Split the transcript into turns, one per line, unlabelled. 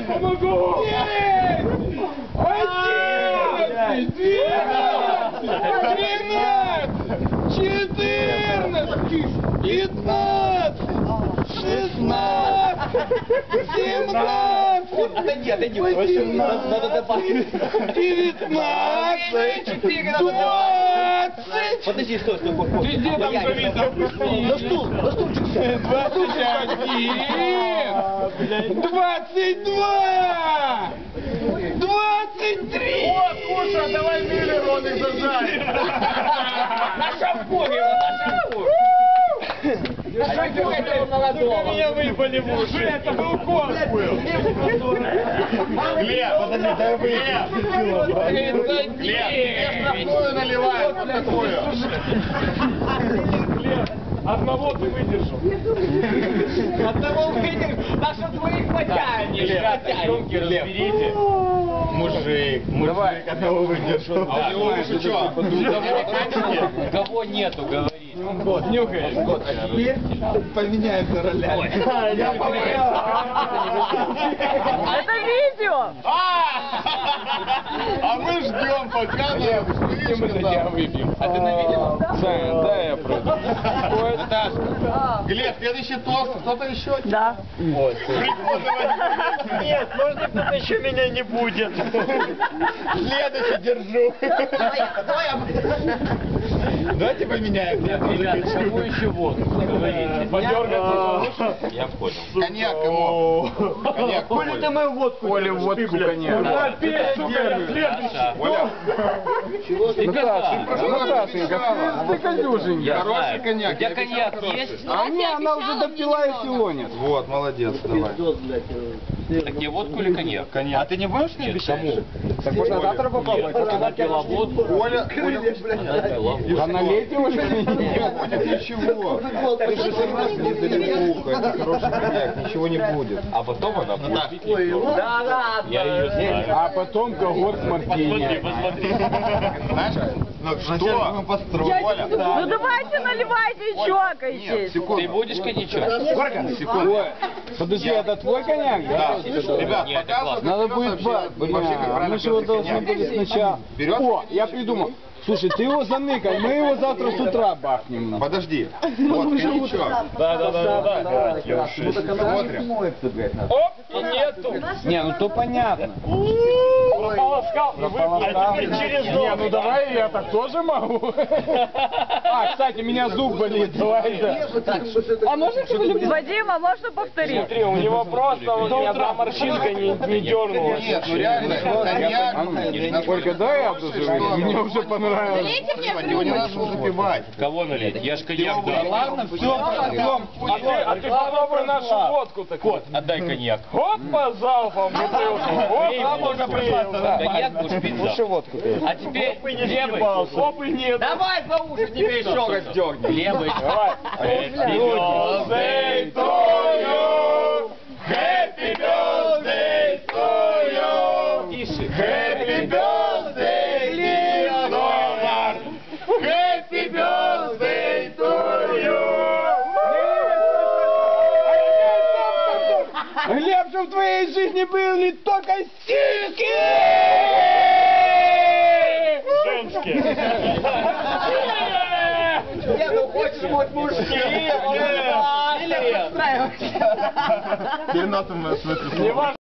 помогу! 11, 12, 13, 15, 16, 17, 18, 19, 20.
Подожди, стой.
Ты где там завис?
На стульчик.
21, 22, 23.
Вот, Куша, давай Миллер, он их зажарит.
На шампуре,
Меня выпали в уши. Это был конкурс. Глеб, подожди, дай выпить. Глеб, тебе штрафную наливают, вот такую. Глеб, одного ты выдержал.
Одного выдержал, так что твоих потянешь.
Ребята, разберите. Мужик, одного выдержал.
А у него уже что? Кого нету, говорит.
Год, нюхаешь.
А теперь поменяемся ролями.
Это видео!
А мы ждем, пока мы
тебя выпьем.
А ты на видео?
Да, я просто.
Наташка. Глеб, следующий тост. Кто-то еще?
Да.
Нет, можно кто-то еще меня не будет. Следующий держу. Давайте поменяем.
Ребята, кому еще водку? Говорите.
Подергаться.
Я понял.
Коньяк ему. Коньяк.
Коля, ты мою водку.
Коля, водку, коньяк.
Оля.
Наташенька, ты конюшенька.
Хороший коньяк.
У тебя коньяк есть?
А мне она уже допила и филонит.
Вот, молодец, давай.
Так тебе водку или коньяк?
Коньяк. А ты не будешь не
Кому?
Так можно завтра попробовать?
Она пила водку.
Оля,
Да налейте уже.
не будет ничего. Ты же сама это хороший коньяк, ничего не будет.
А потом она будет пить ликер.
Да ладно.
Я ее знаю.
А потом когорт с мартини.
Посмотри.
Знаешь, ну что? Мы построим. Оля.
Ну давайте наливайте и
Нет,
чокайтесь.
Ты
секунду.
будешь коньячок?
Сколько? Секунду.
Ой, подожди, это твой коньяк, да?
Да. Ребят,
Нет, это
показывай,
классно.
Надо
как
будет
вообще,
вообще,
как правильно
мы же его
пьётся
должны
коньяк.
были сначала.
Берёт?
О, я придумал. Слушай, ты его заныкай, мы его завтра с утра бахнем.
Подожди. Вот, коньячок.
Да.
Смотрим.
Оп, и нету.
Не, ну то понятно.
Прополоскал.
А теперь через не, ну давай я так тоже могу. А, кстати, у меня зуб болит, давай да.
А можно Вадим, а можно повторить?
Смотри, у него просто ни одна морщинка не дернулась. Нет, ну реально, коньяк.
Только дай я обдужу, мне уже понравилось.
Его не надо запивать.
Кого налить? Я ж коньяк дал.
Ладно, все, потом.
А ты попробуй нашу водку так.
Кот, отдай коньяк.
Хоп, по залпам бутылку.
можно прислать.
Коньяк будешь пить завтра.
водку.
А теперь левый.
Хоп и нет.
Давай за уши тебе еще раз дерни. Левый.
Happy birthday to you. Happy birthday to you.
Тише.
Happy birthday, Leonard. Happy birthday to you. Глеб, что в твоей жизни были только сиськи! Женские.
Не, ну хочешь вот мужские.
Или подстраивайся.
В смысле.